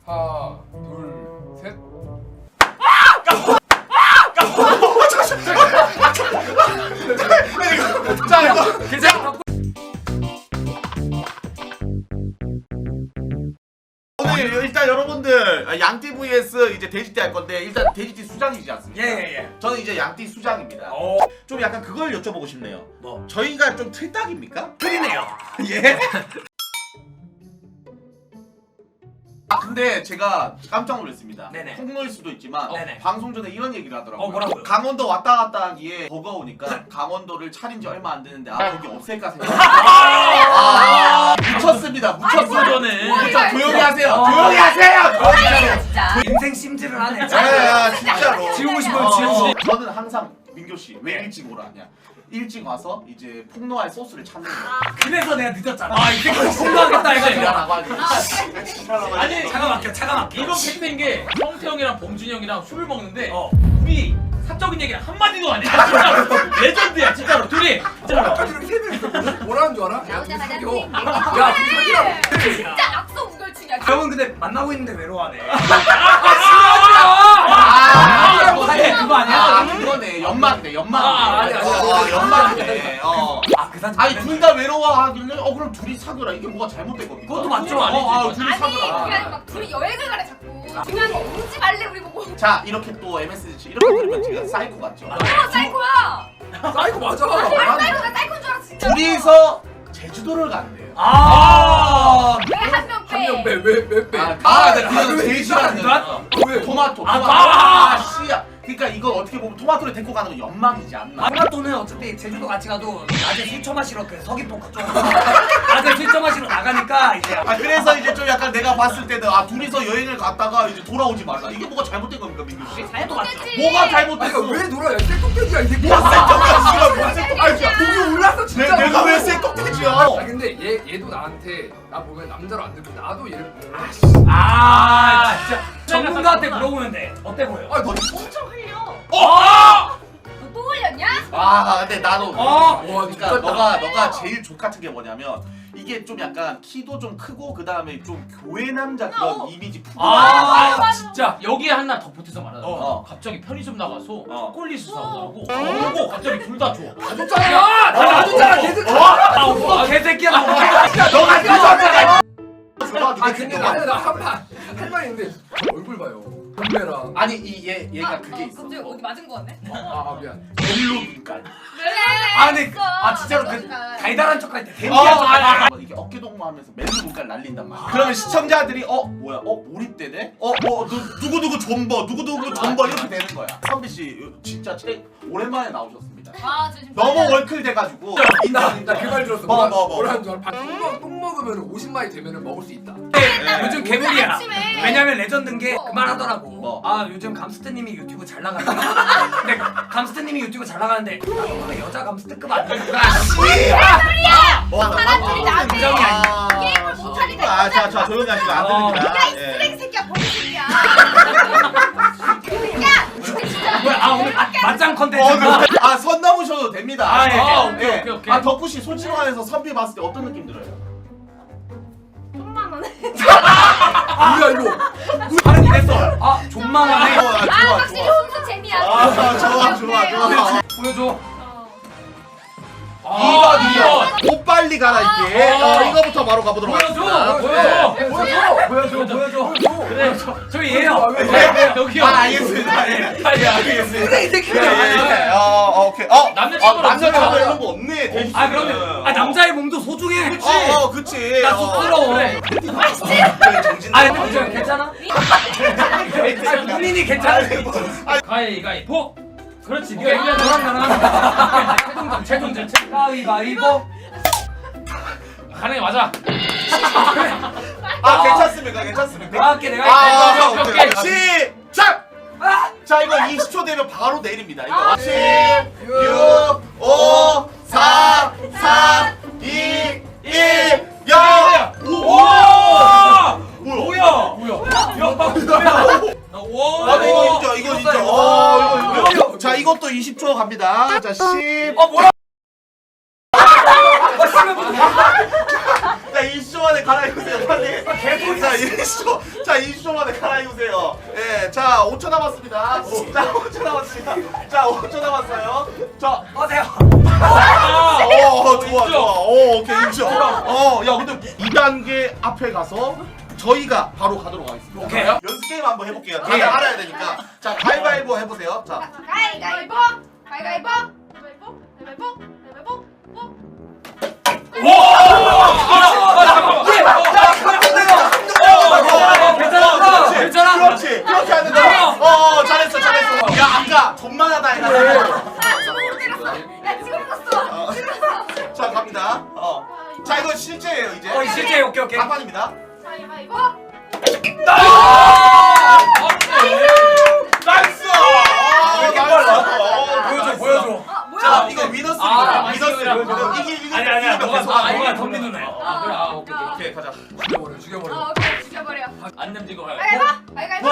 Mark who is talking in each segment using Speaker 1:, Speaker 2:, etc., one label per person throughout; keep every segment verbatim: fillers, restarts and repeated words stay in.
Speaker 1: 하나, 둘, 셋.
Speaker 2: 자 이거
Speaker 1: 괜찮아.
Speaker 2: 오늘 일단 여러분들 양띠 vs 이제 돼지띠 할 건데 일단 돼지띠 수장이지 않습니까?
Speaker 3: 예예예. 예.
Speaker 2: 저는 이제 양띠 수장입니다.
Speaker 3: 어.
Speaker 2: 좀 약간 그걸 여쭤보고 싶네요.
Speaker 3: 뭐?
Speaker 2: 저희가 좀 틀딱입니까?
Speaker 3: 틀리네요.
Speaker 2: 예. 아 근데 제가 깜짝 놀랐습니다.
Speaker 3: 네네.
Speaker 2: 폭로일 수도 있지만
Speaker 3: 어, 네네.
Speaker 2: 방송 전에 이런 얘기를 하더라고요.
Speaker 3: 어, 뭐라고요?
Speaker 2: 강원도 왔다 갔다 하기에 버거우니까 강원도를 차린 지 얼마 안 됐는데 아 거기 없앨까 생각. 아, 묻혔습니다. 묻혔어.
Speaker 4: 전에.
Speaker 2: 묻혔. 조용히 하세요.
Speaker 3: 어.
Speaker 2: 조용히 하세요. 조용히 하세요.
Speaker 5: 진짜.
Speaker 3: 인생 심지를 하네.
Speaker 2: 야, 진짜로.
Speaker 3: 지우고 싶어요,
Speaker 2: 어,
Speaker 3: 지우고 싶어.
Speaker 2: 저는 항상 민교 씨 왜 일찍 오라 하냐? 일찍 와서 이제 폭로할 소스를 찾는 거야.
Speaker 3: 그래서 내가 늦었잖아. 아, 이제 공부하겠다 해가지고.
Speaker 2: 미안하고 하지.
Speaker 4: 아니
Speaker 3: 차가 막혀, 차가 막혀.
Speaker 4: 이건 팩트인 게 성태 형이랑 봉준이 형이랑 술을 먹는데
Speaker 3: 어.
Speaker 4: 우리 사적인 얘기를 한마디도 안 해. 진짜로. 레전드야 진짜로 둘이. 진짜로.
Speaker 1: 뭐라는 줄 알아? 야,
Speaker 5: 나오자마자
Speaker 1: 둘이
Speaker 5: 띵.
Speaker 1: 사겨. 야, 둘이 사기라고.
Speaker 5: 진짜 악성 우결충이야.
Speaker 3: 형은 근데 만나고 있는데 외로워하네.
Speaker 2: 아,
Speaker 3: 뭐 사실 그거 아니야?
Speaker 2: 아, 그거네. 연막이네. 연막.
Speaker 4: 아, 아니, 아니, 아니,
Speaker 2: 어,
Speaker 4: 아니,
Speaker 2: 연막이네. 어.
Speaker 3: 아, 그 사진.
Speaker 2: 아니 둘 다 외로워하길래 어 그럼 둘이 사귀라. 이게 뭐가 잘못된 겁니까?
Speaker 3: 그것도 맞죠?
Speaker 2: 어, 아, 둘이
Speaker 5: 아니 그게
Speaker 2: 사귀라.
Speaker 5: 아니라 막 둘이 여행을 가래 자꾸. 중요한 거 오지 말래 우리 보고.
Speaker 2: 자 이렇게 또 엠에스지 이렇게 들으면 제가 사이코 같죠?
Speaker 5: 어 사이코야.
Speaker 1: 사이코 맞아.
Speaker 5: 아 사이코가 사이코인 줄 알았어 진짜.
Speaker 2: 둘이서 제주도를 간대요.
Speaker 3: 아.
Speaker 5: 왜한 명 빼?
Speaker 1: 한명 빼. 왜, 왜 빼?
Speaker 2: 아, 아, 네, 그거
Speaker 1: 왜
Speaker 2: 제일 싫어하는
Speaker 3: 나-
Speaker 2: 거.
Speaker 1: 왜?
Speaker 2: 토마토,
Speaker 3: 아,
Speaker 2: 토마토.
Speaker 3: 아!
Speaker 2: 아, 씨야. 그러니까 이거 어떻게 보면 토마토를 데리고 가는 건 연막이지 않나?
Speaker 3: 토마토는 어차피 제주도 같이 가도 낮에 술 처마시러 그 서귀포 그쪽 낮에 술 처마시러 나가니까 이제
Speaker 2: 아 그래서 이제 좀 약간 내가 봤을 때는 아 둘이서 여행을 갔다가 이제 돌아오지 말라. 이게 뭐가 잘못된 겁니까 민규 씨?
Speaker 5: 잘못됐지.
Speaker 2: 뭐가
Speaker 1: 아니,
Speaker 2: 잘못됐어?
Speaker 1: 이거 왜 놀아? 야, 쇠껍데기야, 이 새끼야.
Speaker 2: 뭐가 쇠껍데기야? 뭐가 쇠껍데기야?
Speaker 1: 목이 올랐어,
Speaker 2: 내,
Speaker 1: 진짜.
Speaker 2: 내가 왜 쇠껍데기야?
Speaker 1: 아, 근데 얘, 얘도 나한테 나 보면 남자로 안 듣고 나도 얘를
Speaker 3: 아 진짜 전문가한테 물어보면 돼. 어때 보여?
Speaker 1: 아, 너
Speaker 5: 엄청 흘려.
Speaker 3: 어!
Speaker 5: 너 또 흘렸냐?
Speaker 2: 아 근데 나도
Speaker 3: 어!
Speaker 1: 와,
Speaker 2: 그러니까
Speaker 1: 진짜
Speaker 2: 너가 너가 제일 족 같은 게 뭐냐면 이게 좀 약간 키도 좀 크고 그 다음에 좀 교회 남자 그런
Speaker 5: 어.
Speaker 2: 이미지 푸.
Speaker 4: 아,
Speaker 5: 맞아.
Speaker 4: 진짜 여기에 하나 덧붙여서 말하자면
Speaker 2: 어.
Speaker 4: 갑자기 편의점 나가서
Speaker 2: 어.
Speaker 4: 초콜릿을 사오더라고. 그리고 갑자기 둘 다 줘.
Speaker 1: 줬잖아. 나 놔줬잖아, 걔들.
Speaker 3: 아 오빠 개새끼야 너.
Speaker 2: 야 너가 늦었네.
Speaker 1: 아, 근데 나는 나한말 할 말이 있는데 얼굴 봐요. 건배랑.
Speaker 2: 아니 이 얘 얘가
Speaker 5: 아,
Speaker 2: 그게
Speaker 5: 어,
Speaker 2: 있어.
Speaker 5: 갑자기 어디 맞은 거 같네?
Speaker 1: 아, 아, 미안.
Speaker 2: 멜로 눈깔.
Speaker 3: 아 근데 아 진짜로 그 달달한 척할 때
Speaker 2: 어,
Speaker 3: 데미안 척할 때.
Speaker 2: 아, 아, 이렇게 어깨 동무하면서 멜로 눈깔 날린단 말이야. 그러면 시청자들이 어 뭐야 어 몰입되네? 어뭐 누구 누구 존버 누구 누구 존버 이렇게 되는 거야. 선비 씨 진짜 제 오랜만에 나오셨습니다.
Speaker 5: 아, 저 지금
Speaker 2: 너무 월클 돼가지고 인정 인정.
Speaker 1: 나 그 말 들었어.
Speaker 2: 뭐,
Speaker 1: 뭐라,
Speaker 2: 뭐, 뭐.
Speaker 1: 뭐라는 줄 알아? 똥, 먹, 똥 먹으면 오십 마리 되면 먹을 수 있다.
Speaker 2: 네.
Speaker 3: 요즘 개물이야.
Speaker 5: 아침에.
Speaker 3: 왜냐면 레전드인 게 그 말 하더라고.
Speaker 2: 뭐?
Speaker 3: 아 요즘 감스트님이 유튜브 잘 나가는데. 근데 감스트님이 유튜브 잘 나가는데 나 정도면 여자 감스트급 아니야?
Speaker 2: 와, 나
Speaker 5: 사람들이
Speaker 2: 깜짝
Speaker 5: 나한테
Speaker 2: 놀랐네. 아.
Speaker 5: 게임을 못하니까
Speaker 2: 아, 자, 자, 조용히 하시고 안
Speaker 3: 어.
Speaker 2: 들립니다.
Speaker 5: 야, 이
Speaker 2: 예.
Speaker 5: 쓰레기 새끼야, 버리 새끼야. 야, 진짜.
Speaker 3: 뭐야 아 오늘 맞- 맞짱
Speaker 2: 어,
Speaker 3: 컨텐츠인가?
Speaker 2: 그, 아, 선 넘으셔도 됩니다.
Speaker 3: 아, 예.
Speaker 4: 아, 오케이, 오케이, 오케이.
Speaker 2: 아, 덕후 씨 솔직히 말해서 선비 봤을 때 어떤 느낌 들어요?
Speaker 5: 좀만 원해.
Speaker 1: 뭐야 이거?
Speaker 3: 발음 이랬어. 아 존망하네.
Speaker 2: 아,
Speaker 5: 아,
Speaker 2: 좋아,
Speaker 5: 확실히
Speaker 2: 좋아.
Speaker 5: 훈수 재미야.
Speaker 2: 아, 좋아, 좋아, 좋아.
Speaker 3: 보여줘.
Speaker 4: 아,
Speaker 2: 이번, 이번. 옷 빨리 갈아입기.
Speaker 4: 아.
Speaker 2: 어, 이거부터 바로 가보도록
Speaker 4: 보여줘,
Speaker 2: 하겠습니다.
Speaker 4: 보여줘.
Speaker 2: 네.
Speaker 3: 보여줘 보여줘 보여줘.
Speaker 4: 그래, 저,
Speaker 3: 저기 얘요.
Speaker 2: 네.
Speaker 4: 여기요.
Speaker 2: 아, 알겠습니다. 예.
Speaker 4: 아, 예, 알겠습니다.
Speaker 1: 이
Speaker 2: 예,
Speaker 1: 새끼야.
Speaker 2: 예, 예. 어, 어, 오케이. 어,
Speaker 4: 남자친구는
Speaker 2: 어, 남자친구
Speaker 4: 없어요.
Speaker 2: 이런 거 없네. 돼지
Speaker 3: 아
Speaker 2: 씨는.
Speaker 3: 그러면 아 남자의 몸도 소중해.
Speaker 2: 그치. 어, 어, 그치.
Speaker 3: 나
Speaker 2: 어.
Speaker 3: 쑥스러워.
Speaker 4: 그래.
Speaker 2: 그래, 정신
Speaker 3: 아
Speaker 2: 나간
Speaker 3: 근데
Speaker 2: 거지.
Speaker 3: 괜찮아? 아 본인이 괜찮아?
Speaker 4: 가위가위보. 그렇지.
Speaker 3: 오케이
Speaker 4: 네가
Speaker 3: 그냥
Speaker 4: 이겨야
Speaker 3: 너랑 나랑
Speaker 4: 최종전, 최종전.
Speaker 3: 가위바위보.
Speaker 4: 가능해 맞아.
Speaker 2: 아, 괜찮습니까? 괜찮습니까?
Speaker 3: 내가 할게 내가
Speaker 2: 아,
Speaker 3: 할게.
Speaker 2: 오케이,
Speaker 4: 오케이,
Speaker 2: 오케이. 시작!
Speaker 3: 아!
Speaker 2: 자, 이거 이십 초 되면 바로 내립니다. 이거.
Speaker 5: 아,
Speaker 2: 십, 육, 오, 사, 삼, 이, 일, 영! 오!
Speaker 4: 와!
Speaker 2: 뭐야?
Speaker 4: 뭐야?
Speaker 2: 아, 네, 이거 인정, 이거 인정. 어, 이거, 이거. 자, 이것도 이십 초 갑니다. 자, 십.
Speaker 3: 어 뭐야?
Speaker 2: 자, 이십 초 만에 갈아입으세요, 빨리.
Speaker 3: 개소리.
Speaker 2: 자, 이십. 이십 초. 자, 이십 초 만에 갈아입으세요. 예, 자, 오 초 남았습니다. 자, 오 초 남았습니다. 자, 오 초 남았어요. 자,
Speaker 3: 어세요.
Speaker 2: 아, 어, 좋아,
Speaker 4: 인정.
Speaker 2: 좋아. 어, 오케이, 인정. 어, 야, 근데 이 단계 앞에 가서 저희가 바로 가도록 하겠습니다.
Speaker 3: 오케이.
Speaker 2: 연습 게임 한번 해볼게요. 다들
Speaker 3: 예.
Speaker 2: 알아야 되니까. 자, 가위바위보 해보세요. 자,
Speaker 5: 가위가위보 가위가위보 가위바위보 가위바위보 가위바위보 보.
Speaker 3: 괜찮아.
Speaker 2: 그렇지,
Speaker 3: 괜찮아.
Speaker 2: 그렇지, 그렇게 하는 거야. 어, 잘했어, 잘했어. 야, 아까 존만하다 해가지고.
Speaker 5: 아 지금 때렸어. 야 지금 떴어. 지금 떴어.
Speaker 2: 자, 갑니다. 어, 자, 이거 실제예요, 이제.
Speaker 3: 어 실제 오케이 오케이.
Speaker 2: 가판입니다.
Speaker 5: 가위바위보.
Speaker 2: 나이스!
Speaker 3: 왜 이렇게
Speaker 2: 어,
Speaker 3: 빨라?
Speaker 2: 어,
Speaker 3: 보여줘
Speaker 2: 나이스.
Speaker 3: 보여줘.
Speaker 5: 아 뭐야?
Speaker 2: 자, 이거 위너스입니다.
Speaker 4: 아,
Speaker 2: 위너스를
Speaker 4: 보여줘.
Speaker 2: 보여줘. 이기, 이기,
Speaker 3: 아니 아니야.
Speaker 2: 이기면
Speaker 3: 너가
Speaker 2: 계속
Speaker 3: 아
Speaker 2: 하는
Speaker 3: 너가
Speaker 2: 거야.
Speaker 3: 덤비 누나야.
Speaker 4: 아 그래 아 오케이 오케이.
Speaker 2: 오케이, 가자.
Speaker 1: 죽여버려 죽여버려.
Speaker 5: 어 오케이 죽여버려.
Speaker 4: 안 냄지고 가.
Speaker 5: 가위바위보 가위가위보.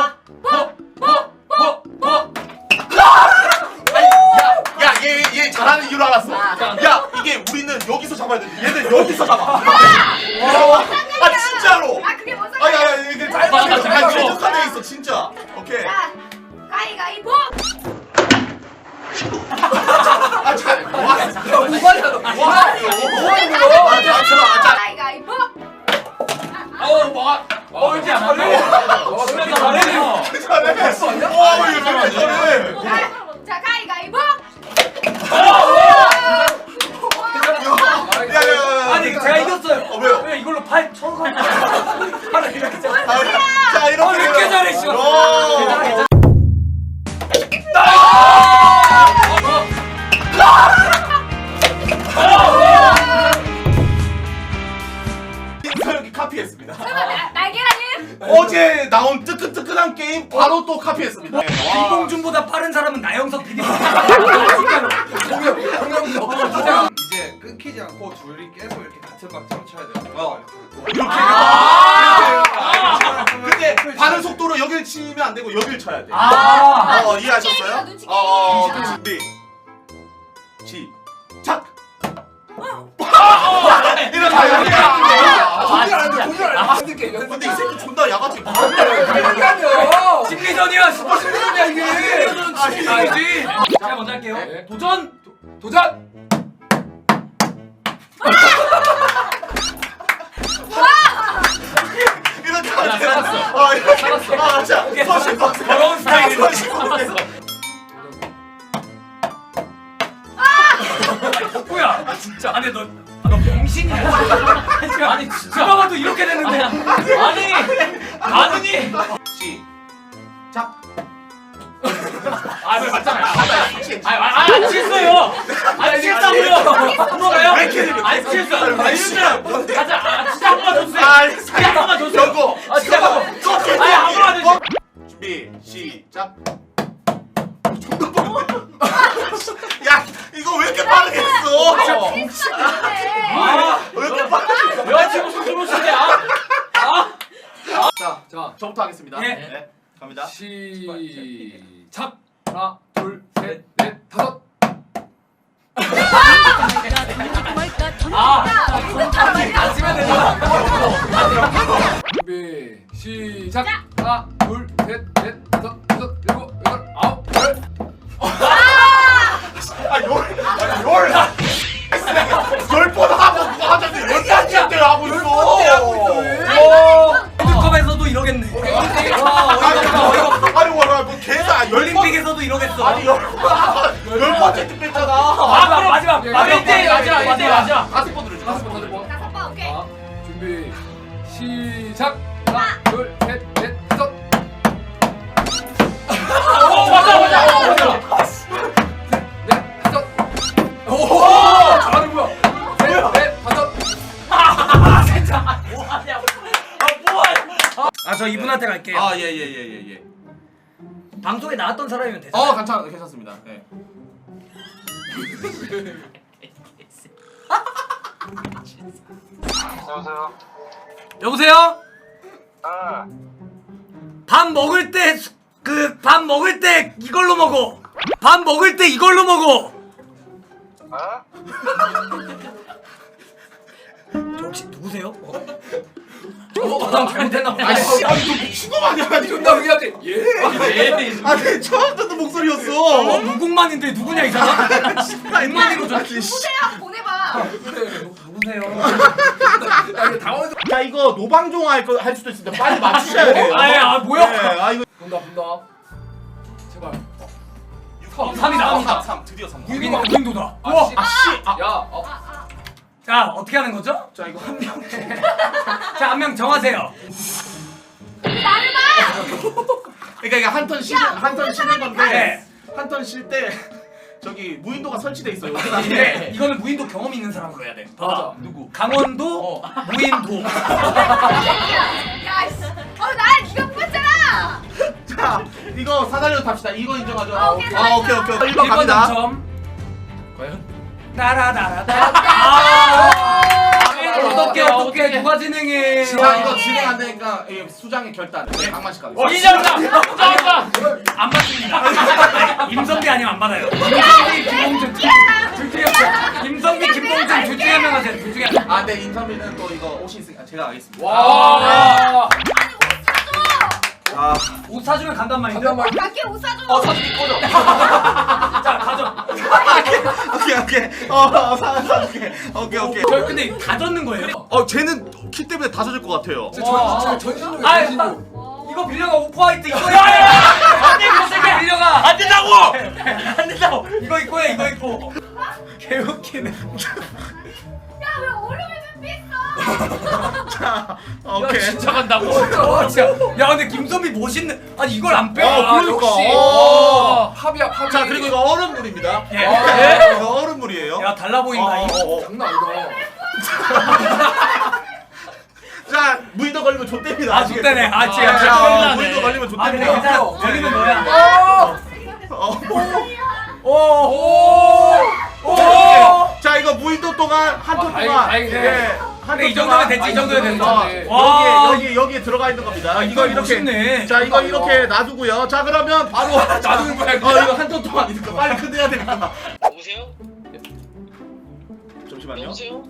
Speaker 2: 야, 얘, 얘 잘하는 이유를 알았어. 야, 이게 우리는 여기서 잡아야 돼. 얘는 여기서 잡아. 어, 아, 진짜로.
Speaker 5: 아 그게 뭔
Speaker 2: 아,
Speaker 5: 소리야?
Speaker 2: 야, 야, 이게 짧아.
Speaker 4: 맞아,
Speaker 2: 아,
Speaker 4: 짧아.
Speaker 2: 최적화돼 있어, 진짜. 오케이.
Speaker 5: 자 가위가위보.
Speaker 2: 아, 잘. 뭐 하는 거야?
Speaker 1: 오바야 너.
Speaker 2: 뭐 하는 거야? 뭐 하는 거야? 아, 자, 자, 자.
Speaker 5: 가위가위보.
Speaker 4: 어 뭐가? 어 이제 안 돼.
Speaker 1: 어,
Speaker 4: 그래 잘해.
Speaker 2: 잘해. 와, 이거 왜 잘해?
Speaker 5: 자, 자 가위가위보.
Speaker 2: 야, 야, 야.
Speaker 3: 아니 제가 이겼어요.
Speaker 2: 어, 왜요?
Speaker 3: 왜 이걸로 팔 쳐서 팔을 이렇게 쳐.
Speaker 2: 아, 자, 이렇게.
Speaker 3: 어, 왜 이렇게 잘해, 씨.
Speaker 2: 오.
Speaker 3: 괜찮아, 괜찮아.
Speaker 2: 김서혁이 카피했습니다.
Speaker 5: 나- 날계란님.
Speaker 2: 어제 나온 뜨끈뜨끈한 게임 바로 또 카피했습니다. 와.
Speaker 3: 김봉준보다 빠른 사람은 나영석 피디. 진짜로.
Speaker 1: 공룡 공룡 진짜.
Speaker 6: 이제 끊기지 않고 둘이 계속 이렇게 같은 박자로 쳐야 돼요.
Speaker 2: 어. 이렇게.
Speaker 4: 아.
Speaker 2: 아. 근데 반응 속도로 여길 치면 안 되고 여길 쳐야 돼.
Speaker 3: 아.
Speaker 2: 어, 이해하셨어요?
Speaker 5: 눈치 게임이야,
Speaker 2: 어,
Speaker 5: 눈치 게임.
Speaker 2: 준비. 시작.
Speaker 4: 아,
Speaker 2: 이러다 여기.
Speaker 1: 공룡 안 돼. 공룡 안 돼. 연습
Speaker 2: 근데 이 새끼 존나 야가지.
Speaker 1: 이렇게 하면.
Speaker 3: 심리전이야.
Speaker 1: 심리전이야 이게.
Speaker 3: 아니지. 제가 먼저 할게요.
Speaker 1: 네.
Speaker 3: 도전.
Speaker 1: 도전.
Speaker 2: 이렇게 하면 돼.
Speaker 4: 살았어.
Speaker 2: 어, 이렇게.
Speaker 4: 살았어.
Speaker 2: 아, 자,
Speaker 3: 오케이.
Speaker 2: 서신 박스.
Speaker 3: 더러운 스타일이네.
Speaker 2: 서신 박스.
Speaker 3: 덕구야. 아 진짜. 아니 너. 아, 너 병신이야.
Speaker 4: 아니 진짜.
Speaker 3: 누가 봐도 이렇게 되는데.
Speaker 4: 아니 아느니.
Speaker 2: 시작.
Speaker 4: 아왜 맞잖아요. 아안 취했어요. 안 취했다고요. 물어봐요.
Speaker 2: 왜 이렇게 되는 거야?
Speaker 4: 안 취했어요. 아 이러면 가자. 아 진짜 한 번만 줘주세요.
Speaker 2: 아,
Speaker 4: 진짜 한 번만 줘주세요.
Speaker 2: 여고.
Speaker 4: 아 진짜 한 번만. 아니 한 번만 줘주세요.
Speaker 2: 준비 시작. 존나 빠른데? 야, 이거 왜 이렇게 빠르게 했어?
Speaker 4: 아,
Speaker 2: 왜 이렇게 빠르게?
Speaker 4: 내가 지금 무슨 소리야? 아?
Speaker 1: 자, 자.
Speaker 2: 저부터 하겠습니다.
Speaker 3: 예.
Speaker 2: 네, 갑니다.
Speaker 1: 시작. 하나, 둘, 셋, 넷, 다섯.
Speaker 4: 아,
Speaker 3: 안 치면 되잖아.
Speaker 1: 준비. 시작. 하나, 둘, 셋, 넷, 다섯, 여섯, 일곱, 여덟, 아홉, 열.
Speaker 2: 아, 열, 아, 열. 열번 하고 그거 하자는데 열 번째 하고 있어.
Speaker 3: 월드컵에서도 이러겠네. 와 어이없다 어이없다.
Speaker 2: 아니, 와, 뭐 계산 열 번.
Speaker 3: 올림픽에서도 이러겠어.
Speaker 2: 아니, 열 번. 열 번째 특별잖아.
Speaker 3: 아 그럼 마지막
Speaker 1: 예,
Speaker 3: 마지막
Speaker 1: 일 대 일,
Speaker 3: 마지막
Speaker 4: 일 대 일,
Speaker 3: 마지막.
Speaker 4: 마지막.
Speaker 2: 다섯 번 들어줘.
Speaker 1: 다섯 번, 다섯 번.
Speaker 5: 다섯 번 오케이.
Speaker 1: 자, 준비. 시작. 하나, 둘, 셋, 넷, 다섯.
Speaker 4: 어 맞아 맞아 맞아.
Speaker 1: 넷, 다섯. 오! 잘하는 거야. 셋, 넷, 다섯.
Speaker 3: 아 진짜.
Speaker 4: 뭐하냐? 아 뭐하냐?
Speaker 3: 아 저 이분한테 갈게요.
Speaker 2: 아, 예, 예, 예, 예, 예.
Speaker 3: 방송에 나왔던 사람이면 되죠.
Speaker 2: 어, 괜찮, 괜찮습니다. 네.
Speaker 7: 여보세요?
Speaker 3: 여보세요?
Speaker 7: 아,
Speaker 3: 밥 먹을 때 그 밥 먹을 때 이걸로 먹어. 밥 먹을 때 이걸로 먹어.
Speaker 7: 어?
Speaker 3: 저 혹시 누구세요? 어? 어, 난 잘못했나 보다.
Speaker 2: 아씨 아니 너 미친 거 아니야?
Speaker 1: 존나 우리한테 예.
Speaker 4: 예.
Speaker 2: 아니 처음 듣는
Speaker 3: 어,
Speaker 2: 목소리였어.
Speaker 3: 누군만인데 누구냐 이 사람? 백만이로 좀.
Speaker 5: 보세요 보내봐.
Speaker 3: 누구세요?
Speaker 1: 아 이거 당황해서.
Speaker 2: 자 이거 노방종 할, 거, 할 수도 있는데 빨리 맞추셔야 돼요.
Speaker 3: 아예 아 뭐야?
Speaker 2: 네, 아 이거
Speaker 1: 본다 본다. 제발.
Speaker 3: 삼이 나옵니다.
Speaker 2: 삼 드디어 삼.
Speaker 3: 무인 무인도다.
Speaker 1: 아,
Speaker 3: 우와.
Speaker 1: 씨.
Speaker 2: 아씨 아.
Speaker 1: 야. 어.
Speaker 3: 자 어떻게 하는 거죠?
Speaker 2: 자 이거 한 명.
Speaker 3: 자 한 명 정하세요.
Speaker 5: 나를 봐.
Speaker 2: 그러니까 이게 한 턴 쉬는 한 턴 쉬는 건데
Speaker 3: 네.
Speaker 2: 한 턴 쉴 때 저기 무인도가 설치돼 있어요.
Speaker 3: 네. 이거는 무인도 경험 있는 사람으로 해야 돼.
Speaker 1: 맞아.
Speaker 3: 누구? 강원도 무인도.
Speaker 5: 야 씨. 어나 네가 뽑았잖아.
Speaker 2: 자 이거 사다리로 탑시다. 이거 인정하죠?
Speaker 5: 아, 오케이,
Speaker 2: 아 오케이 오케이. 일 번
Speaker 3: 일 번
Speaker 2: 갑니다.
Speaker 3: 당첨.
Speaker 1: 과연?
Speaker 3: 따라다라다. 아. 어떻게
Speaker 4: 아,
Speaker 3: 어떻게
Speaker 4: 어떡해.
Speaker 3: 누가 진행해?
Speaker 2: 자 이거 진행 안 되니까 이 수장의 결단. 네, 강만식 가겠습니다.
Speaker 4: 이정답! 정답!
Speaker 3: 안 받습니다. 임선비 아니면 안 받아요. 임선비, 김봉준 둘 중에 임선비, 김봉준 둘 중에 한 명 하세요. 둘 중에 한 명.
Speaker 2: 아, 네 인삼이는 또 이거 옷이 있으니까 제가 가겠습니다.
Speaker 1: 와.
Speaker 2: 아,
Speaker 3: 옷 사주면 간단 말인데.
Speaker 1: 잠깐만.
Speaker 5: 밖에 옷 사줘.
Speaker 1: 어 사진이 꺼져.
Speaker 3: 자 가져.
Speaker 2: 오케이 오케이. 어, 어 사, 사, 오케이 오케이 오케이.
Speaker 3: 저 근데 다 젖는 거예요.
Speaker 2: 어, 쟤는 키 때문에 다 젖을 것 같아요.
Speaker 1: 저 전, 전신용
Speaker 3: 아,
Speaker 1: 전신용.
Speaker 3: 이거 빌려가 오프 화이트 이거.
Speaker 4: 안돼 이거 새끼야!
Speaker 3: 빌려가.
Speaker 4: 안 된다고! 안 된다고!
Speaker 3: 이거 입고 해 이거 입고. 개웃기네.
Speaker 5: 야왜 얼음을 준비했어?
Speaker 2: 자,
Speaker 4: 야
Speaker 2: 오케이.
Speaker 4: 진짜 간다고?
Speaker 3: 어, 진짜. 야 근데 김선비 멋있네. 아니 이걸 안 빼?
Speaker 2: 어,
Speaker 1: 아,
Speaker 2: 그러니까.
Speaker 1: 역시.
Speaker 2: 어.
Speaker 1: 팝이야 팝이.
Speaker 2: 자, 그리고 이거 얼음물입니다.
Speaker 3: 예.
Speaker 1: 아.
Speaker 2: 이거 얼음물이에요.
Speaker 3: 야 달라 보인다.
Speaker 2: 어,
Speaker 3: 이거.
Speaker 2: 어, 어.
Speaker 1: 장난 아니다.
Speaker 2: 자, 무인도 걸리면 좆됩니다.
Speaker 3: 아 좋대네. 아
Speaker 2: 자,
Speaker 3: 진짜.
Speaker 4: 아,
Speaker 2: 무인도 걸리면
Speaker 3: 아 근데
Speaker 2: 좆됩니다.
Speaker 3: 괜찮아. 걸리면 너야.
Speaker 2: 어.
Speaker 3: 오. 오. 오.
Speaker 2: 자, 이거 무인도 동안 한 톤
Speaker 1: 아, 다행이-
Speaker 2: 동안
Speaker 1: 다행이네.
Speaker 2: 예. 한
Speaker 3: 그래, 이
Speaker 2: 톤
Speaker 3: 정도면
Speaker 2: 동안
Speaker 3: 됐지. 이 정도면 됐어.
Speaker 2: 어,
Speaker 1: 네.
Speaker 3: 와.
Speaker 2: 여기 여기 여기에 들어가 있는 겁니다.
Speaker 3: 아,
Speaker 2: 이거
Speaker 3: 이거
Speaker 2: 이렇게
Speaker 3: 멋있네.
Speaker 2: 자, 이거
Speaker 1: 그러니까
Speaker 2: 이렇게
Speaker 1: 이거.
Speaker 2: 놔두고요. 자, 그러면 바로
Speaker 1: 놔두는 거야,
Speaker 2: 어,
Speaker 1: 그냥.
Speaker 2: 이거 한 톤 동안이니까 빨리 끝내야 되니까.
Speaker 7: 여보세요?
Speaker 2: 잠시만요.
Speaker 7: 여보세요?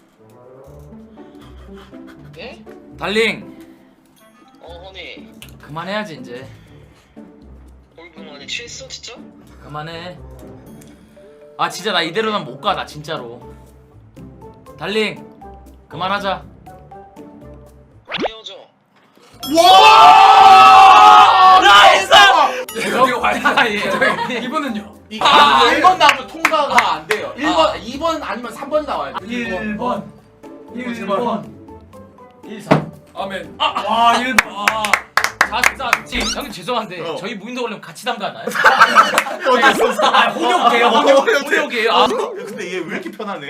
Speaker 7: 예?
Speaker 4: 달링
Speaker 7: 어 허니
Speaker 4: 그만해야지 이제.
Speaker 7: 얼굴만에 취했어 진짜?
Speaker 4: 그만해. 아 진짜 나 이대로는 못 가 나 진짜로. 달링 그만하자.
Speaker 7: 헤어져.
Speaker 2: 와!
Speaker 4: 나이스!
Speaker 3: 이거 봐야
Speaker 4: 예.
Speaker 3: 이분은요?
Speaker 2: 이
Speaker 4: 아,
Speaker 2: 일 번 나오면 통과가 안 돼요. 일 번, 이 번 아니면 삼 번이 나와야 돼.
Speaker 3: 일 번. 일 번.
Speaker 4: 일 삼.
Speaker 1: 아멘.
Speaker 3: 와, 일 번. 아.
Speaker 4: 자, 자, 지 형님 죄송한데
Speaker 2: 어.
Speaker 4: 저희 무인도 걸리면 같이 담가나요?
Speaker 2: 어디 있었어?
Speaker 3: 아, 혼욕이에요, 혼욕.
Speaker 4: 혼욕이에요. 아.
Speaker 2: 근데 얘 왜 이렇게 편하네?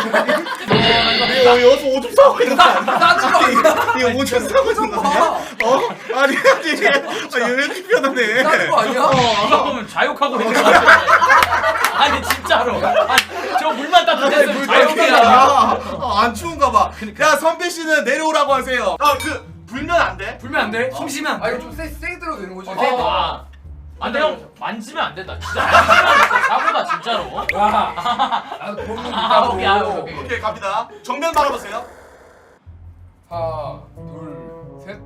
Speaker 2: 얘 여기서 오줌 싸고 있는 거 아니야? 얘 오줌 싸고 있는 거 아니야? 어? 아니 아니 얘 왜 이렇게 편하네?
Speaker 1: 싸는 거 아니야?
Speaker 4: 누가 보면 자욕하고 있는 거 같아. 아니 진짜로. 아니, 저 물만 따뜻해서 자욕이야.
Speaker 2: 아, 안 추운가 봐. 야 선배 씨는 내려오라고 하세요. 아그 불면 안 돼?
Speaker 3: 불면 안 돼? 숨 쉬면 안
Speaker 1: 아
Speaker 3: 돼?
Speaker 1: 이거 좀 세, 세게 들어도 되는 거지?
Speaker 4: 아, 안 돼, 형. 만지면 안 된다. 진짜. 만지면 사고다, 진짜로.
Speaker 1: 야. 나도 보는 거
Speaker 4: 아, 오케이, 아,
Speaker 1: 있다고.
Speaker 4: 오케이.
Speaker 2: 오케이 갑니다. 정면 바라보세요.
Speaker 1: 하나, 둘, 셋.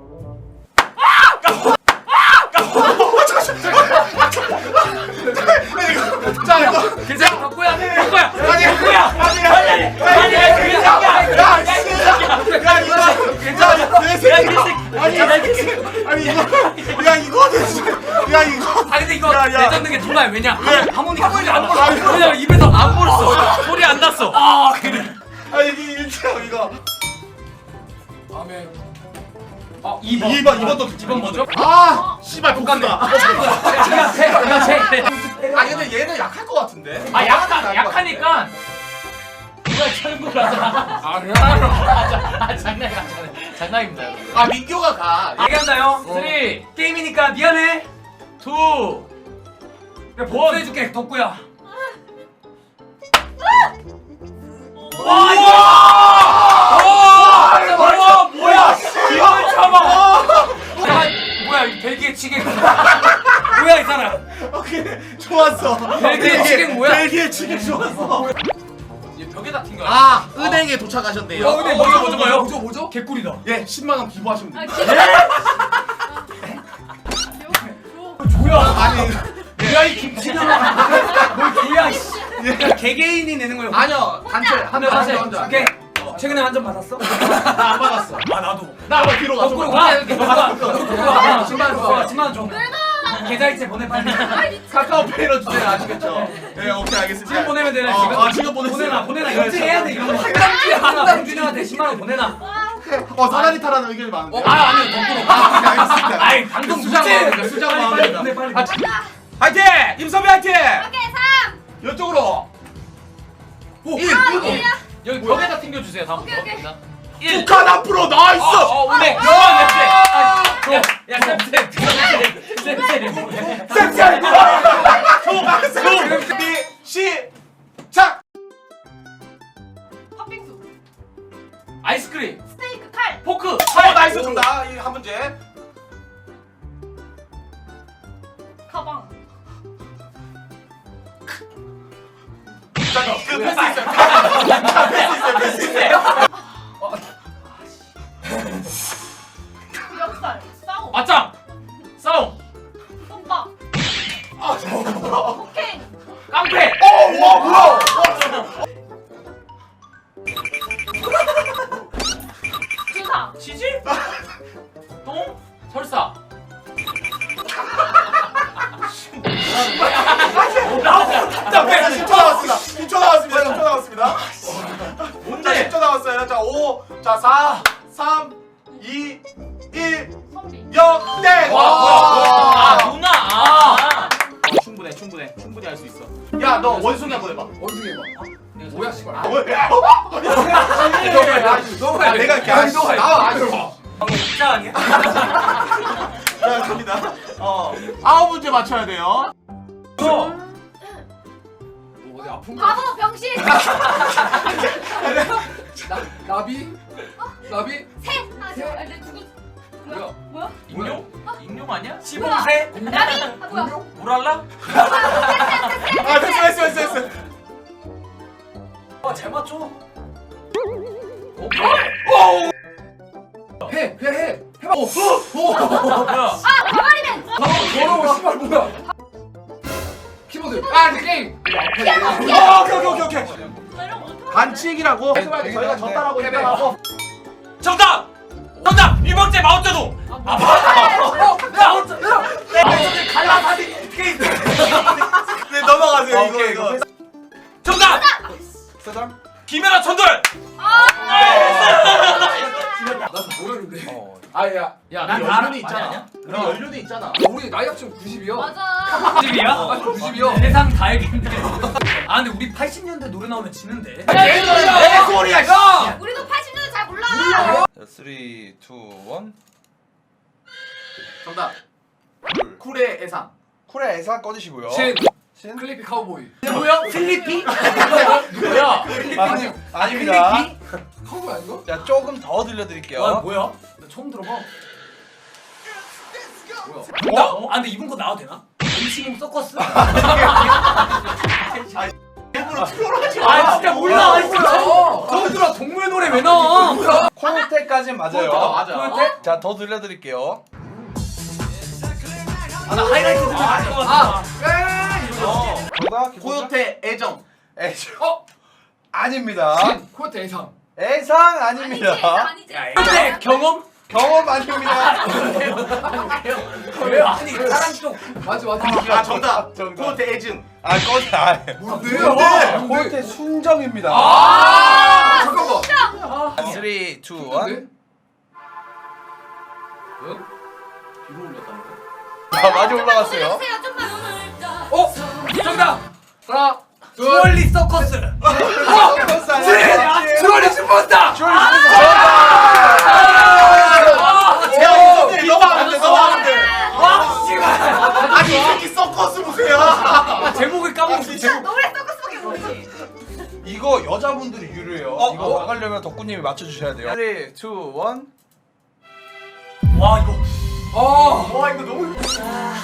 Speaker 2: 자 이거
Speaker 3: 괜찮아, 덕구야, 덕구야.
Speaker 2: 아니
Speaker 3: 덕구야.
Speaker 2: 아니 아니
Speaker 3: 아니, 아니, 그 새끼야.
Speaker 2: 야 야 이거 괜찮아 내 새끼 아니 아니 이거 야 이거는 진짜 야 이거
Speaker 3: 아 근데 이거
Speaker 2: 야, 야.
Speaker 3: 레전드 게 졸라요. 왜냐?
Speaker 2: 왜?
Speaker 3: 하모니카 소리 안
Speaker 2: 아니,
Speaker 3: 벌었어. 왜냐면 입에서 안 벌었어.
Speaker 4: 소리 안 났어.
Speaker 3: 아 그래.
Speaker 2: 아 이게 일체형 이거
Speaker 1: 아멘.
Speaker 3: 아 이 번.
Speaker 2: 이 번 이 번도
Speaker 3: 이 번 뭐죠?
Speaker 2: 아 씨발 복수다.
Speaker 3: 제가 세, 제가 세.
Speaker 2: 아 근데 얘는 약할 것 같은데.
Speaker 4: 아, 약하, 약하니까. 누가 철구를 하잖아.
Speaker 1: 아 그래?
Speaker 4: 아, 자, 아, 장난이야, 장난. 장난입니다, 여러분.
Speaker 2: 아 민규가 가.
Speaker 3: 얘기한다요.
Speaker 4: 쓰리,
Speaker 3: 게임이니까 미안해.
Speaker 4: 투,
Speaker 3: 내가 복수해줄게 덕구야.
Speaker 4: 와, 이거! 와, 뭐야! 이걸 참아!
Speaker 3: 아, 뭐야 이 벨기에 치객. 뭐야 이 사람.
Speaker 2: 오케이 좋았어.
Speaker 3: 벨기에 치킨 뭐야?
Speaker 2: 벨기에 치킨 좋았어.
Speaker 1: 얘
Speaker 4: 벽에다 튕겨.
Speaker 2: 아 은행에 도착하셨네요.
Speaker 3: 어, 근데 뭐죠, 뭐죠, 뭐요?
Speaker 1: 뭐죠 뭐죠?
Speaker 3: 개꿀이다.
Speaker 2: 예 십만 원 기부하시면
Speaker 5: 아,
Speaker 2: 됩니다.
Speaker 3: 조야.
Speaker 2: 아니
Speaker 3: 뭐야 이 김치나. 뭘 조야 씨. 야, 개개인이 내는 거예요.
Speaker 2: 아니요 단체
Speaker 3: 근데
Speaker 2: 한대
Speaker 3: 사실
Speaker 2: 한대 한대.
Speaker 3: 오케이. 최근에 한 점 받았어?
Speaker 2: 나안 받았어.
Speaker 3: 아 나도.
Speaker 2: 나 한번 뒤로 가.
Speaker 3: 거꾸로
Speaker 2: 좀
Speaker 3: 가.
Speaker 2: 가.
Speaker 3: 가. 십만 원 줘. 십만 원 줘. 계좌이체 보내 빨리.
Speaker 2: 카카오페이로 주세요. 아시겠죠? 네 오케이 알겠습니다.
Speaker 3: 지금 보내면 되네
Speaker 2: 어,
Speaker 3: 지금.
Speaker 2: 아 지금 보내세요.
Speaker 3: 보내놔 보내놔
Speaker 2: 네,
Speaker 3: 인증해야 돼 이런 거. 하나 봉준이한테 십만 원 보내놔.
Speaker 2: 어 사다리 타라는 의견이 많은데.
Speaker 3: 아 아니요 거꾸로.
Speaker 2: 아 오케이 알겠습니다.
Speaker 3: 아이 방금
Speaker 2: 수장
Speaker 3: 문제.
Speaker 2: 마음입니다. 수장
Speaker 3: 빨리
Speaker 2: 마음입니다.
Speaker 3: 보내 빨리.
Speaker 2: 아,
Speaker 3: 화이팅! 임선비 화이팅!
Speaker 5: 오케이 삼.
Speaker 2: 이쪽으로.
Speaker 3: 오.
Speaker 2: 일.
Speaker 5: 아 이야.
Speaker 4: 여기 벽에다 튕겨주세요. 다음부터.
Speaker 5: 오케이, 오케이.
Speaker 4: 자, 일.
Speaker 2: 북한 앞으로 나이스.
Speaker 4: 어, 어, 오네. 야, 야, 야, 쌤, 쌤, 쌤, 쌤, 쌤.
Speaker 2: 쌤쌤. 준비 시작.
Speaker 5: 팥빙수.
Speaker 4: 아이스크림,
Speaker 5: 스테이크 칼.
Speaker 4: 포크,
Speaker 2: 어
Speaker 4: 칼.
Speaker 2: 나이스 정답. 이한 문제.
Speaker 5: 가방.
Speaker 2: 자, 그 패스 있어요. 자, 패스 있어요. 패스 있어요.
Speaker 5: 멱살. 싸움.
Speaker 4: 맞짱, 싸움,
Speaker 5: 똥밥.
Speaker 2: 아, 저.
Speaker 5: 오케이.
Speaker 4: 깡패.
Speaker 2: 어, 와 뭐야?
Speaker 5: 주사.
Speaker 4: 치즈, 똥, 설사.
Speaker 2: 자, 패스 십 초 남았습니다. 십 초 남았습니다. 십 초 남았습니다. 자,
Speaker 4: 뭔데?
Speaker 2: 십 초 남았어요. 자, 오, 자, 사, 삼, 이, 일,
Speaker 5: 선비.
Speaker 2: 영, 땡!
Speaker 4: 와, 뭐야, 뭐야. 아, 누나. 아.
Speaker 2: 어, 충분해, 충분해. 충분히 할 수 있어. 야, 너 원숭이 한번 해봐.
Speaker 1: 원숭이 해봐. 뭐야 씨발.
Speaker 2: 아, 뭐야?
Speaker 1: 너가
Speaker 2: 아, 내가 이렇게 하지.
Speaker 1: 너가 나와 아주.
Speaker 3: 방금 진짜 아니야?
Speaker 2: 자, 갑니다. 어, 아홉 문제 맞춰야 돼요.
Speaker 3: 저.
Speaker 1: 어디 아픈 거?
Speaker 5: 바보 병신.
Speaker 1: 나 나비? 나비?
Speaker 5: 새. 아 저. 아, 내 누구? 뭐야?
Speaker 1: 뭐야?
Speaker 5: 뭐야?
Speaker 4: 익룡? 익룡 아니야?
Speaker 3: 시범새.
Speaker 5: 나비. 아 뭐야?
Speaker 4: 물알라?
Speaker 2: 아, 됐어, 됐어, 됐어, 됐어.
Speaker 3: 와잘 맞춰.
Speaker 1: 해, 해, 해. 해봐. 오, 오.
Speaker 4: 뭐야?
Speaker 5: 아 가발이맨.
Speaker 1: 더러워 씨발 뭐야? 키보드. 아, 그 게임.
Speaker 2: 어, 오케이, 오케이, 오케이, 오케이.
Speaker 5: 나 이런 거 어떡해?
Speaker 2: 반칙이라고. 저희가 졌다라고
Speaker 1: 패배.
Speaker 2: 인정하고.
Speaker 3: 정답. 정답. 일번째 마오쩌둥.
Speaker 1: 어, 야, 어쩌? 야.
Speaker 3: 갈라사디 어떻게 있어?
Speaker 2: 네, 넘어가세요.
Speaker 3: 아,
Speaker 2: 이거,
Speaker 3: 오케이,
Speaker 2: 이거.
Speaker 3: 정답.
Speaker 2: 세상.
Speaker 3: 김연아 천돌.
Speaker 1: 나도 모르는데. 아, 야.
Speaker 4: 야,
Speaker 2: 우리
Speaker 4: 나
Speaker 2: 연륜이
Speaker 4: 많이
Speaker 2: 있잖아.
Speaker 4: 아니야?
Speaker 2: 우리 연륜이 있잖아.
Speaker 1: 우리 나이 합치면 구십이요.
Speaker 5: 맞아.
Speaker 3: 집이야?
Speaker 1: 아, 구십이요.
Speaker 3: 세상 다 알겠네. 아 근데 우리 팔십 년대 노래 나오면 지는데.
Speaker 2: 내 소리야, 야!
Speaker 5: 우리도 팔십 년대 잘 몰라.
Speaker 6: 삼, 이, 일.
Speaker 2: 정답. 쿨의 애상.
Speaker 6: 쿨의 애사 꺼주시고요.
Speaker 1: 신.
Speaker 6: 신?
Speaker 1: 클리피 카우보이.
Speaker 4: 뭐야? 필리피? 뭐야?
Speaker 6: 아니, 아닙니다.
Speaker 1: 카우보이 아닌가?
Speaker 6: 자, 조금 더 들려드릴게요.
Speaker 3: 아 뭐야? 나 처음 들어봐.
Speaker 1: 뭐야?
Speaker 3: 정답. 어? 아 근데 이분 거 나와도 되나? 음식은 서커스?
Speaker 2: 일부러 트롤하지 마.
Speaker 3: 아 진짜 몰라. 진짜.
Speaker 1: 뭐야?
Speaker 3: 저들아 동물 노래 왜 나와?
Speaker 6: 코요테까진 맞아요.
Speaker 2: 어, 맞아.
Speaker 3: 코요테?
Speaker 6: 자, 더 들려드릴게요.
Speaker 3: 아 나 하이라이트 듣는 거 아닐 것 같아.
Speaker 1: 에이, 이거.
Speaker 6: 정답.
Speaker 2: 코요테 애정.
Speaker 6: 애정.
Speaker 1: 어?
Speaker 6: 아닙니다.
Speaker 1: 신. 코요테 애상.
Speaker 6: 애상
Speaker 5: 아니지.
Speaker 6: 아닙니다.
Speaker 5: 아니지.
Speaker 3: 근데 경험?
Speaker 6: 경험 아닙니다.
Speaker 3: 왜 아니 사람 좀.
Speaker 1: 맞아, 맞아.
Speaker 2: 아, 정답.
Speaker 6: 정답.
Speaker 2: 코요테 애증.
Speaker 6: 아, 꺼지. 아,
Speaker 1: 뭔데?
Speaker 6: 뭔데? 코요테 순정입니다.
Speaker 1: 아, 잠깐만.
Speaker 6: 삼, 이, 일.
Speaker 1: 뭔데?
Speaker 2: 뒤로 올렸다는 거.
Speaker 6: 아, 많이 올라갔어요.
Speaker 5: 보내주세요. 좀만 오늘.
Speaker 3: 어? 정답.
Speaker 1: 하나, 둘.
Speaker 3: 주얼리 서커스.
Speaker 1: 주얼리 슈퍼스타.
Speaker 2: 야, 이거 넘어가면 돼, 넘어가면 돼.
Speaker 3: 와 씨발.
Speaker 2: 아니, 이 새끼 서커스 보세요.
Speaker 3: 제목을 까먹었어.
Speaker 5: 진짜
Speaker 3: 제목.
Speaker 5: 노래 서커스밖에 모르지.
Speaker 6: 이거 여자분들이 유료해요.
Speaker 3: 어,
Speaker 6: 이거
Speaker 3: 어.
Speaker 6: 나가려면 덕구님이 맞춰주셔야 돼요. 삼, 이, 일.
Speaker 3: 와 이거.
Speaker 1: 어.
Speaker 2: 와, 이거 너무.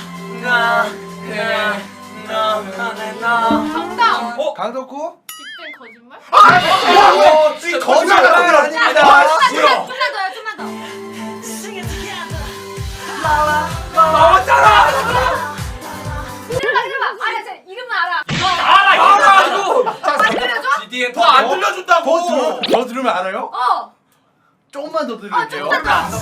Speaker 3: 나. 나. 나. 나.
Speaker 5: 정답.
Speaker 3: 어?
Speaker 6: 강덕구?
Speaker 5: 빅뱅 거짓말?
Speaker 2: 아, 이 거짓말 아닙니다.
Speaker 5: 좀만 더요, 좀만 더.
Speaker 1: 나왔잖아.
Speaker 5: 들어봐, 들어봐. 아니, 제 이름은 알아.
Speaker 3: 알아 이거.
Speaker 1: 알아 이거.
Speaker 5: 아, 들려줘?
Speaker 3: 지디엔
Speaker 2: 더 안 들려준다고.
Speaker 6: 더 들으면 더 들으면 알아요?
Speaker 5: 어.
Speaker 6: 조금만 더
Speaker 5: 아,
Speaker 6: 들을게요.
Speaker 5: 좀만 더.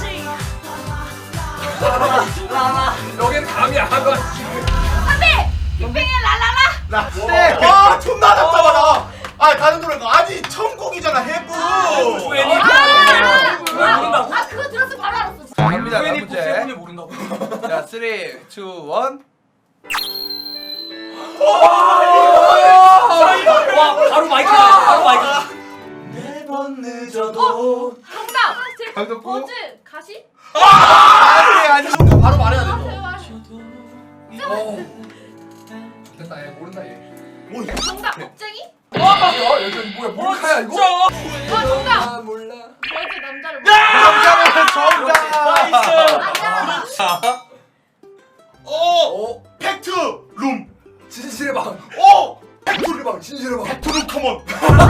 Speaker 1: 여긴 감이 안 와.
Speaker 5: 선배! 빅뱅의 라라라!
Speaker 2: 나 네. 와 존나 답답하다. 아 다른 노래가 아니 천국이잖아 해부.
Speaker 3: 후엔이
Speaker 5: 아,
Speaker 3: 왜 모른다고?
Speaker 5: 아, 그거 들었으면 바로 알았어.
Speaker 6: 갑니다. 다음
Speaker 3: 후엔이
Speaker 6: 문제.
Speaker 3: 세븐이 모른다고?
Speaker 6: 자, 삼, 이, 일.
Speaker 3: 와 바로 마이크 나와, 바로 마이크.
Speaker 2: 매번 늦어도.
Speaker 5: 정답! 제
Speaker 6: 강덕구?
Speaker 5: 버즈 가시?
Speaker 6: 아니, 아니.
Speaker 2: 바로 말해야 돼. 너.
Speaker 1: 어. 됐다 얘 모른다 얘.
Speaker 2: 뭐 이게
Speaker 5: 정답! 겁쟁이?
Speaker 1: 야 여기 뭐야 몰카야 이거?
Speaker 5: 아, 정답!
Speaker 1: 아 몰라.
Speaker 5: 버즈 남자를
Speaker 6: 정답은 정답.
Speaker 5: 아니야!
Speaker 2: 어
Speaker 1: 어
Speaker 2: 팩트 룸.
Speaker 1: 진실의 방.
Speaker 2: 어
Speaker 1: 팩토리 방 진실의 방.
Speaker 2: 팩트 룸 컴온.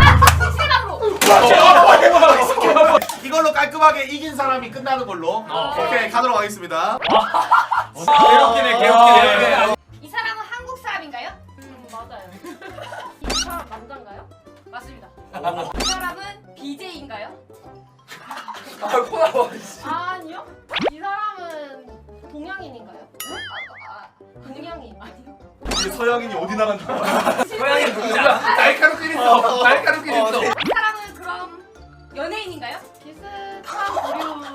Speaker 5: 실감으로!
Speaker 2: 이걸로 깔끔하게 이긴 사람이 끝나는 걸로.
Speaker 3: 어.
Speaker 2: 오케이 가도록 하겠습니다.
Speaker 3: 개웃기네 개웃기네.
Speaker 5: 이 사람은 한국 사람인가요? 음, 맞아요. 이 사람 남자인가요? 맞습니다. 이 사람은 비제이인가요?
Speaker 1: 아 코나와.
Speaker 5: 아니요. 이 사람은 동양인인가요? 아, 아, 동양인 아니요.
Speaker 2: 이게 서양인이 어디 나간 거야?
Speaker 3: 서양인 누구지 않아?
Speaker 1: 날카롭긴 있어. 날카롭긴 있어.
Speaker 5: 이 사람은 그럼 연예인인가요? 비슷한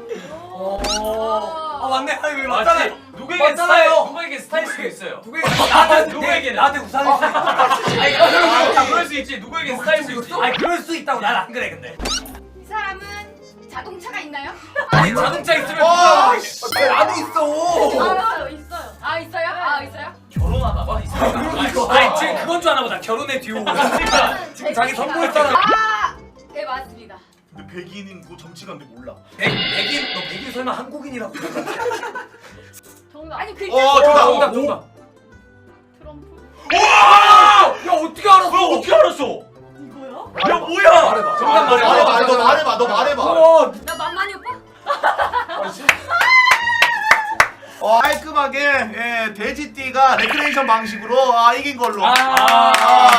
Speaker 5: 부류.
Speaker 3: 아 맞네. 아 이거 맞잖아. 누구에게
Speaker 1: 맞잖아요.
Speaker 3: 스타일, 누구에게 스타일 수 있어요.
Speaker 1: 누구에게
Speaker 3: 나한테 누구에게 나한테 우상일 수 있어. 아니 아, 그럴 수 있지. 누구에게 스타일 수 있지. 아니 그럴 수 있다고 난 안 그래 근데.
Speaker 5: 이 사람은 자동차가 있나요?
Speaker 3: 아니 자동차 있으면
Speaker 2: 와,
Speaker 3: 누가
Speaker 2: 씨.
Speaker 1: 왜 나도 있어.
Speaker 5: 아, 있어요. 아, 있어요? 아, 있어요?
Speaker 3: 결혼하나 봐. 이 사람. 아니 지금 그건 줄 아나 보다. 결혼의 듀오. 그러니까 지금 자기 선보였잖아.
Speaker 5: 아, 네, 맞습니다.
Speaker 2: 근데 백인인 뭐 정치가인데 몰라.
Speaker 3: 백 백인 너 백인 설마 한국인이라고?
Speaker 5: 정답. 아니, 글자.
Speaker 2: 어 정답.
Speaker 3: 정답 정답.
Speaker 5: 트럼프?
Speaker 3: 야 어떻게 알았어?
Speaker 2: 너 어떻게 알았어?
Speaker 5: 이거요?
Speaker 3: 야 뭐야?
Speaker 1: 말해봐.
Speaker 3: 정답
Speaker 2: 말해봐.
Speaker 3: 말해봐.
Speaker 2: 너 말해봐. 너 말해봐.
Speaker 3: 어,
Speaker 5: 나 만만히 오빠?
Speaker 2: 어, 깔끔하게 예, 돼지띠가 레크레이션 방식으로 아, 이긴 걸로.
Speaker 3: 아,
Speaker 2: 아,